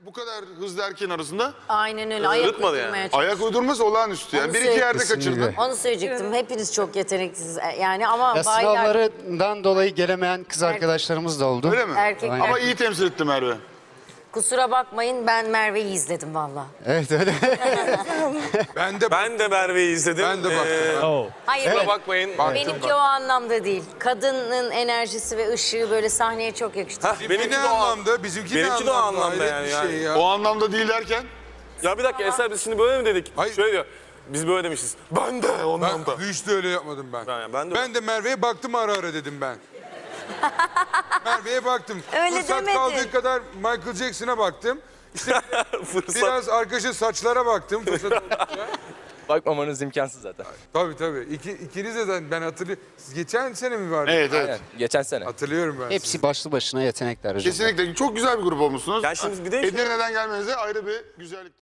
bu kadar hızlı erkeğin arasında Aynen öyle. Ayak Yırtmadı yani. uydurmaya çalışıyor. ayak uydurması olağanüstü. Yani Onu bir iki yerde Kesinlikle. kaçırdın. Onu söyleyecektim. Hepiniz çok yeteneksiz. Yani ama Ya baylar sınavlarından dolayı gelemeyen kız arkadaşlarımız da oldu. Öyle mi? Erkek- Aynen. Ama iyi temsil etti Merve. kusura bakmayın ben Merve'yi izledim valla. Evet öyle. Ben de Merve'yi izledim. Ben de baktım. Hayır Kusura bakmayın. benimki o anlamda değil. Kadının enerjisi ve ışığı böyle sahneye çok yakıştı. Hah, Benimki ne anlamda? Bizimki ne Benimki de o anlamda? anlamda Hayret yani, bir şey ya. O anlamda değil derken Ya bir dakika Eser biz şimdi böyle mi dedik? Hayır. Şöyle diyor. Biz böyle demişiz. Ben de ondan da. Ben hiç de öyle yapmadım ben. Ben de- Merve'ye baktım ara ara dedim ben. Merve'ye baktım. Öyle Fırsat demedin. kaldığı kadar Michael Jackson'a baktım. İşte Fırsat. biraz arkadaşın saçlara baktım. Fırsat oldukça. Bakmamanız imkansız zaten. Tabii. İkiniz de zaten ben hatırlıyorum. Siz geçen sene mi vardı? evet Aynen. Geçen sene. Hatırlıyorum ben. Hepsi başlı başına yetenekler hocam. kesinlikle çok güzel bir grup olmuşsunuz. Ya şimdi bir de Edirne'den gelmenize ayrı bir güzellik.